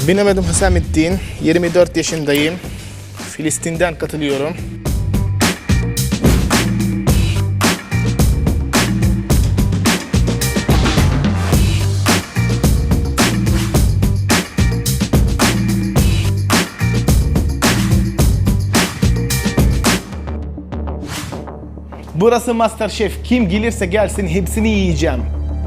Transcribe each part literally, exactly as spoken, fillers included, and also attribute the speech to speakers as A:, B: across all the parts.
A: Benim adım Hüsamettin, yirmi dört yaşındayım. Filistin'den katılıyorum. Burası MasterChef. Kim gelirse gelsin hepsini yiyeceğim.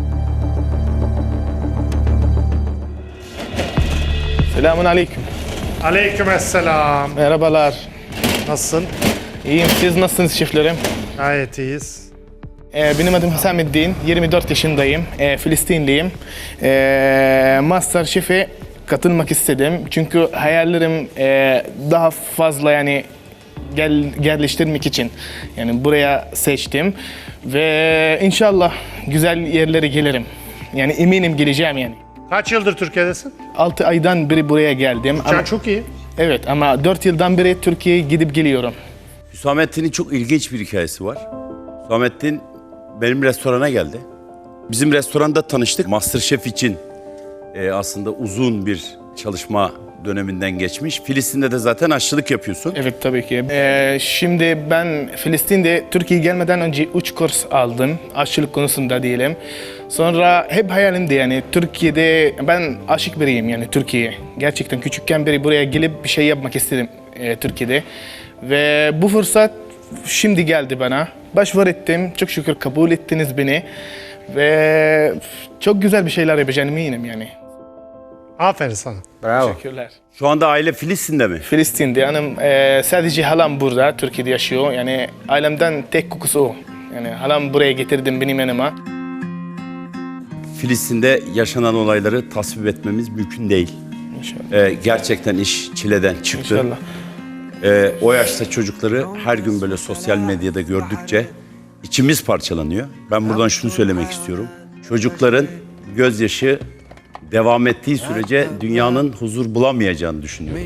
A: Selamun aleyküm.
B: Aleykümselam.
A: Merhabalar.
B: Nasılsın?
A: İyiyim. Siz nasılsınız şeflerim?
B: Gayet iyiyiz.
A: Ee, benim adım Hüsamettin. yirmi dört yaşındayım. Ee, Filistinliyim. Ee, MasterChef'e katılmak istedim. Çünkü hayallerim e, daha fazla yani gel, geliştirmek için yani buraya seçtim ve inşallah güzel yerlere gelirim. Yani eminim geleceğim yani.
B: Kaç yıldır Türkiye'desin?
A: altı aydan beri buraya geldim.
B: Sen
A: Ama,
B: çok iyi.
A: evet ama dört yıldan beri Türkiye'ye gidip geliyorum.
C: Hüsamettin'in çok ilginç bir hikayesi var. Hüsamettin benim restorana geldi. Bizim restoranda tanıştık. MasterChef için e, aslında uzun bir çalışma döneminden geçmiş. Filistin'de de zaten aşçılık yapıyorsun.
A: Evet tabii ki. Ee, şimdi ben Filistin'de Türkiye'ye gelmeden önce üç kurs aldım. Aşçılık konusunda diyelim. Sonra hep hayalimdi yani Türkiye'de ben aşık biriyim yani Türkiye'ye. Gerçekten küçükken beri buraya gelip bir şey yapmak istedim e, Türkiye'de. Ve bu fırsat şimdi geldi bana. Başvuru ettim. Çok şükür kabul ettiniz beni. Ve çok güzel bir şeyler yapacağım eminim yani.
B: Aferin sana.
C: Bravo.
A: Teşekkürler.
C: Şu anda aile Filistin'de mi?
A: Filistin'de. Hanım e, sadece halam burada, Türkiye'de yaşıyor. Yani ailemden tek kokusu o. Yani halam buraya getirdim benim yanıma.
C: Filistin'de yaşanan olayları tasvip etmemiz mümkün değil.
A: İnşallah.
C: Ee, gerçekten iş çileden çıktı.
A: İnşallah.
C: Ee, o yaşta çocukları her gün böyle sosyal medyada gördükçe içimiz parçalanıyor. Ben buradan şunu söylemek istiyorum. Çocukların gözyaşı devam ettiği sürece dünyanın huzur bulamayacağını düşünüyorum.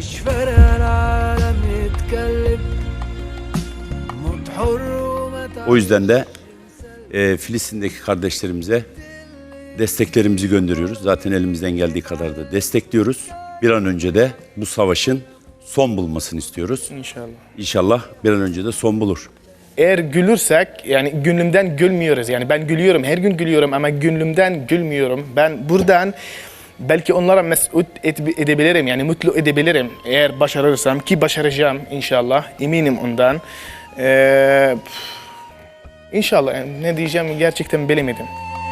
C: O yüzden de e, Filistin'deki kardeşlerimize desteklerimizi gönderiyoruz. Zaten elimizden geldiği kadar da destekliyoruz. Bir an önce de bu savaşın son bulmasını istiyoruz.
A: İnşallah.
C: İnşallah bir an önce de son bulur.
A: Eğer gülürsek yani gönlümden gülmüyoruz. Yani ben gülüyorum, her gün gülüyorum ama gönlümden gülmüyorum. Ben buradan belki onlara mesut edebilirim yani mutlu edebilirim eğer başarırsam ki başaracağım inşallah eminim ondan. Ee, inşallah yani ne diyeceğimi gerçekten bilemedim.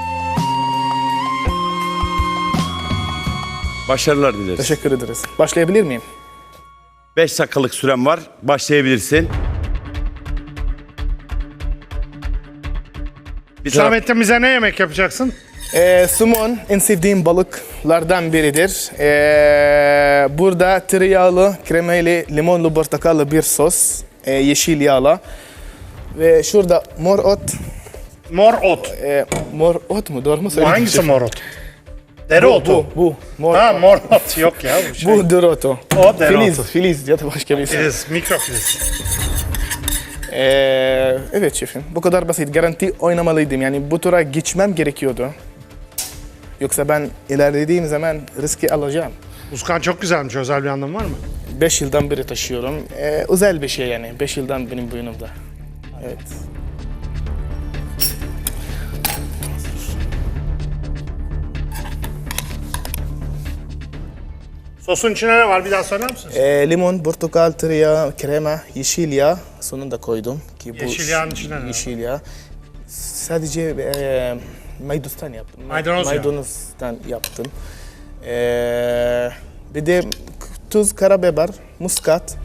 C: Başarılar dileriz.
A: Teşekkür ederiz. Başlayabilir miyim?
C: Beş dakikalık süren var. Başlayabilirsin. Bir taraf-
B: Hüsamettin bize ne yemek yapacaksın?
A: Ee, somon en sevdiğim balıklardan biridir. Ee, burada tereyağlı, kremalı, limonlu, portakallı bir sos. Ee, yeşil yağla. Ve şurada mor ot.
B: Mor ot.
A: Ee, mor ot mu? Doğru mu
B: Bu
A: söyledim?
B: hangisi
A: şef?
B: mor ot? Dereotu.
A: Bu, bu. Mor,
B: Ha mor ot yok ya bu şey.
A: bu dereotu.
B: O dereotu.
A: Filiz, filiz ya da başka bir şey.
B: Filiz, mikrofiliz.
A: Ee, evet şefim, bu kadar basit. Garanti oynamalıydım. Yani bu tura geçmem gerekiyordu. Yoksa ben ilerlediğim zaman riski alacağım.
B: Uskan çok güzelmiş. Özel bir anlamı var mı?
A: Beş yıldan beri taşıyorum. Ee, özel bir şey yani. Beş yıldan benim boynumda. Evet.
B: Sosun içine ne var? Bir daha söyler misiniz?
A: Ee, limon, portakal, tereyağı, krema, yeşil yağ sonunda koydum. Ki bu
B: Yeşil yağın içine ne var?
A: Yeşil yağ. Sadece e, maydanozdan yaptım.
B: Maydanoz yağı.
A: Maydanozdan yaptım. Ee, bir de tuz, karabiber, muskat.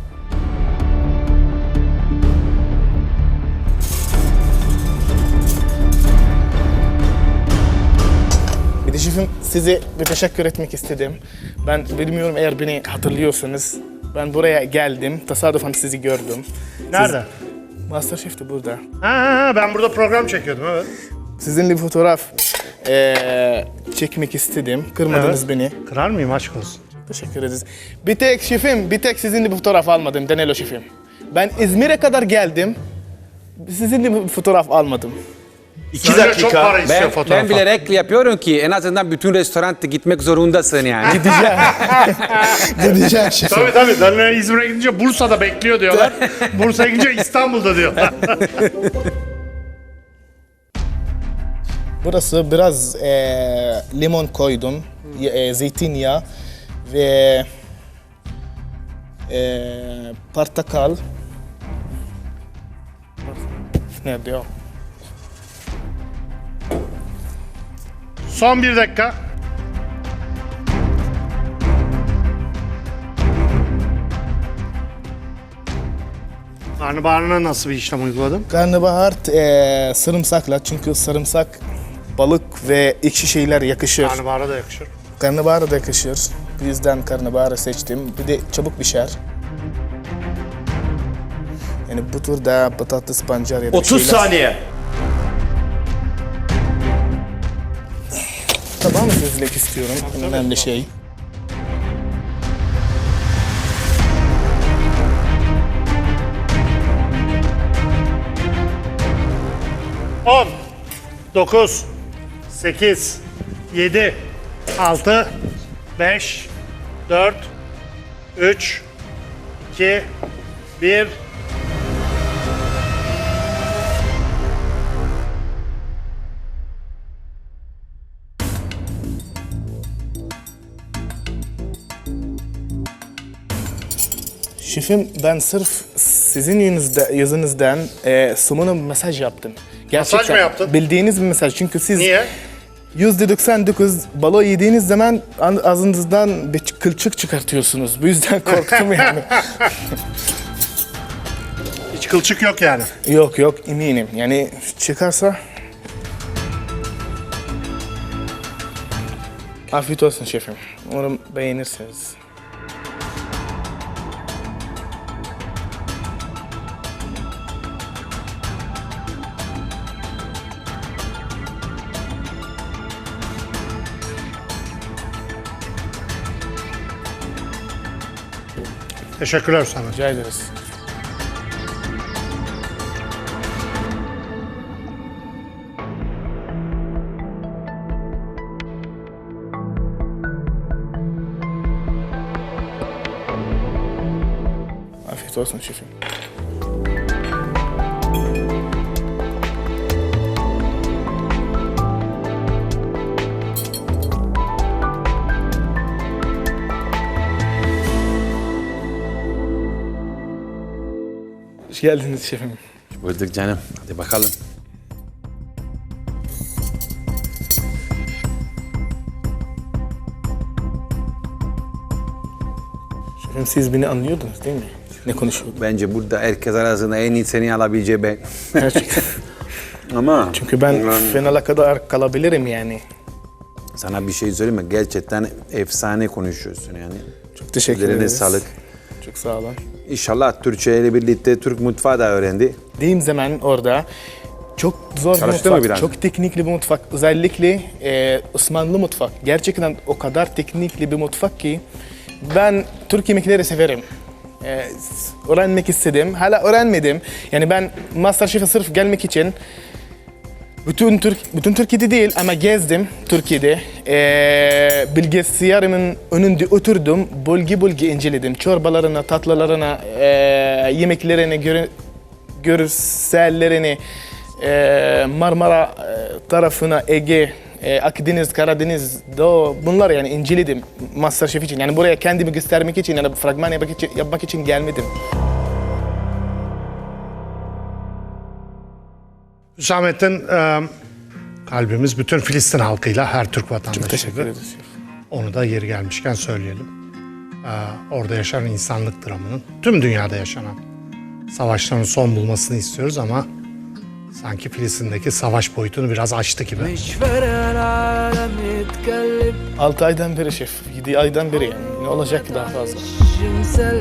A: Bir de şefim size bir teşekkür etmek istedim. Ben bilmiyorum eğer beni hatırlıyorsanız. Ben buraya geldim, tesadüfen sizi gördüm.
B: Nerede?
A: Siz, MasterChef de burada.
B: Ha, ha, ha, ben burada program çekiyordum evet.
A: Sizinle bir fotoğraf eee, çekmek istedim. Kırmadınız
B: Evet.
A: beni.
B: Kırar mıyım aşk olsun?
A: Teşekkür ederiz. Bir tek şefim, bir tek sizinle bir fotoğraf almadım Danilo şefim. Ben İzmir'e kadar geldim. Sizinle bir fotoğraf almadım.
C: İki
B: Söyle, çok para
C: dakika.
B: istiyor
D: Ben,
B: fotoğrafa.
D: ben bilerek yapıyorum ki en azından bütün restoranta gitmek zorundasın yani.
A: Gideceğim. Gideceğim şefim.
B: Tabii tabii. Danilo İzmir'e gidince Bursa'da bekliyor diyorlar. Bursa'ya gidince İstanbul'da diyorlar.
A: Burası biraz eee, limon koydum, e, zeytinyağı ve eee portakal. Nerede o?
B: Son bir dakika. Karnabaharına nasıl bir işlem uyguladın?
A: Karnabahar eee sarımsakla, çünkü sarımsak balık ve ekşi şeyler yakışır.
B: Karnabahara da yakışır.
A: Karnabahar da yakışır. Bu yüzden karnabaharı seçtim. Bir de çabuk pişer. Yani bu turda patates pancar ya da
C: otuz
A: şeyler.
C: saniye.
A: Tamam, gözlük istiyorum. En önemli şey.
B: on, dokuz, sekiz, yedi, altı, beş, dört, üç, iki, bir.
A: Şefim, ben sırf sizin yüzünüzde, yüzünüzden e, Sumun'a mesaj yaptım. Gerçekten
B: mı yaptın?
A: bildiğiniz bir mesaj. Çünkü siz
B: Niye?
A: yüzde doksan dokuz balığı yediğiniz zaman an- ağzınızdan bir kılçık çıkartıyorsunuz. Bu yüzden korktum yani.
B: Hiç kılçık yok yani.
A: Yok yok, eminim. Yani çıkarsa... Afiyet olsun şefim. Umarım beğenirsiniz.
B: Teşekkürler sana.
A: Rica ederiz. Afiyet olsun şefim. Hoş geldiniz şefim.
D: Bulduk canım. Hadi bakalım.
A: Şefim, siz beni anlıyordunuz değil mi? Ne konuşuyorduk?
D: Bence burada herkes arasında en iyi seni alabileceği ben.
A: Gerçekten.
D: Ama
A: Çünkü ben finale kadar kalabilirim yani.
D: sana bir şey söyleyeyim mi? Gerçekten efsane konuşuyorsun yani.
A: Çok teşekkür
D: Ellerine
A: ederiz.
D: sağlık.
A: Çok sağ olun.
D: İnşallah Türkçe ile birlikte Türk mutfağı da öğrendi.
A: Dediğim zaman orada çok zor bir
D: Çalıştı mı
A: mutfak,
D: biraz?
A: çok teknikli bir mutfak. Özellikle e, Osmanlı mutfak. Gerçekten o kadar teknikli bir mutfak ki ben Türk yemekleri severim. E, öğrenmek istedim. Hala öğrenmedim. Yani ben MasterChef'e sırf gelmek için bütün Türk bütün Türkiye'de değil ama gezdim Türkiye'de. E, bilgisayarımın önünde oturdum. Bölge bölge inceledim. Çorbalarına, tatlılarına, e, yemeklerini, göre, görsellerini, e, Marmara e, tarafına, Ege, e, Akdeniz, Karadeniz, Doğu, bunlar yani inceledim MasterChef için. Yani buraya kendimi göstermek için, yani fragman yapmak için, yapmak için gelmedim.
B: Hüsamettin, e, kalbimiz bütün Filistin halkıyla, her Türk
A: Çok teşekkür
B: vatandaşıyla.
A: ederiz.
B: Onu da yeri gelmişken söyleyelim. E, orada yaşanan insanlık dramının, tüm dünyada yaşanan savaşların son bulmasını istiyoruz ama sanki Filistin'deki savaş boyutunu biraz aştı gibi.
E: مش فارق العالم يتكلم
A: altı aydan beri şef, yedi aydan beri yani. Ne olacak ki daha fazla?
E: مسلم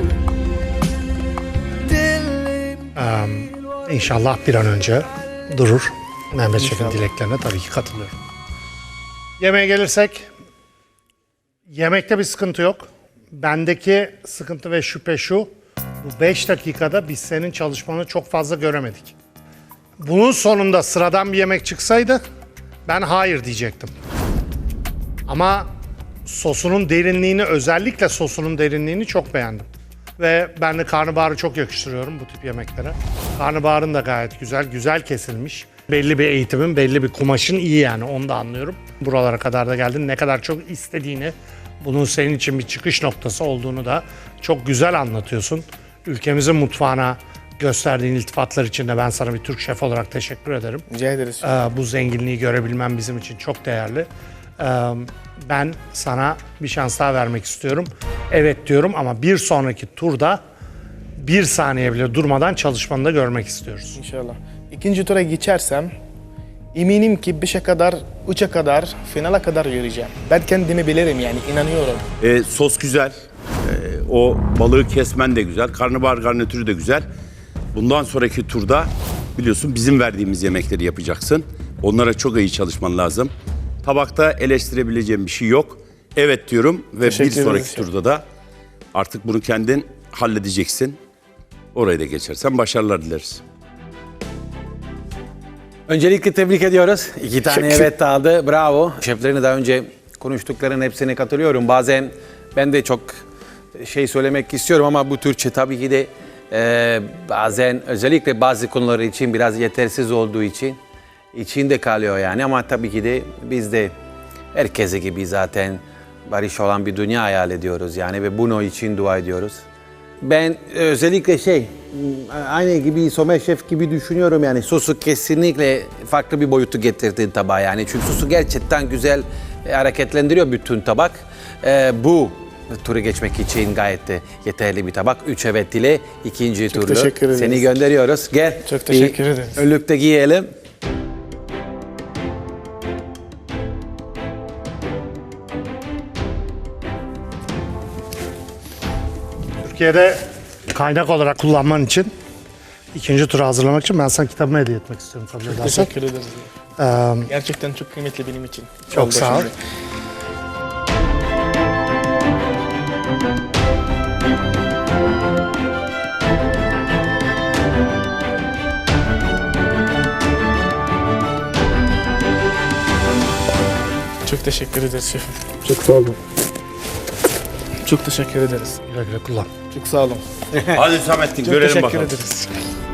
E: دلي
B: İnşallah bir an önce durur. Mehmet Şef'in dileklerine tabii ki katılıyorum. Yemeğe gelirsek, yemekte bir sıkıntı yok. Bendeki sıkıntı ve şüphe şu, bu beş dakikada biz senin çalışmanı çok fazla göremedik. Bunun sonunda sıradan bir yemek çıksaydı ben hayır diyecektim. Ama sosunun derinliğini, özellikle sosunun derinliğini çok beğendim. Ve ben de karnabaharı çok yakıştırıyorum bu tip yemeklere. Karnabaharın da gayet güzel, güzel kesilmiş. Belli bir eğitimin, belli bir kumaşın iyi yani, onu da anlıyorum. Buralara kadar da geldin, ne kadar çok istediğini, bunun senin için bir çıkış noktası olduğunu da çok güzel anlatıyorsun. Ülkemizin mutfağına gösterdiğin iltifatlar için de ben sana bir Türk şef olarak teşekkür ederim.
A: Rica ederiz.
B: Ee, bu zenginliği görebilmem bizim için çok değerli. Ee, ben sana bir şans daha vermek istiyorum. Evet diyorum ama bir sonraki turda bir saniye bile durmadan çalışmanı da görmek istiyoruz.
A: İnşallah. İkinci tura geçersem eminim ki beşe kadar, üçe kadar, finale kadar yürüyeceğim. Ben kendimi bilirim yani, inanıyorum.
C: E, sos güzel. E, o balığı kesmen de güzel. Karnabahar garnitürü de güzel. Bundan sonraki turda biliyorsun bizim verdiğimiz yemekleri yapacaksın. Onlara çok iyi çalışman lazım. Tabakta eleştirebileceğim bir şey yok. Evet diyorum ve bir
A: Teşekkür
C: sonraki
A: ederiz.
C: turda da artık bunu kendin halledeceksin. Orayı da geçersen başarılar dileriz.
D: Öncelikle tebrik ediyoruz. İki tane
A: Teşekkür-
D: evet aldı. Bravo. Şeflerini daha önce konuştuklarının hepsine katılıyorum. Bazen ben de çok şey söylemek istiyorum ama bu Türkçe tabii ki de e, bazen özellikle bazı konular için biraz yetersiz olduğu için içinde kalıyor yani. Ama tabii ki de biz de herkese gibi zaten barış olan bir dünya hayal ediyoruz yani ve bunun için dua ediyoruz. Ben özellikle şey, aynı gibi Somer Şef gibi düşünüyorum yani sosu kesinlikle farklı bir boyutu getirdin tabağa yani. Çünkü sosu gerçekten güzel e, hareketlendiriyor bütün tabak. E, bu turu geçmek için gayet de yeterli bir tabak. Üç evet ile ikinci turda
A: teşekkür ederiz.
D: seni gönderiyoruz. Gel.
A: Çok teşekkür
D: bir
A: ederiz.
D: Önlükte giyelim.
B: Türkiye'de kaynak olarak kullanman için, ikinci tura hazırlamak için ben sana kitabımı hediye etmek istiyorum. Kabul edersen.
A: Teşekkür ederiz.
B: Ee,
A: Gerçekten çok kıymetli benim için.
B: Çok
A: Oldu
B: sağ ol.
A: şimdi. Çok teşekkür ederiz şefim. Çok sağ olun. Çok teşekkür ederiz.
B: güle güle kullan.
A: Çok sağ olun.
C: Hadi Samettin
A: Çok
C: görelim
A: teşekkür
C: bakalım.
A: ederiz.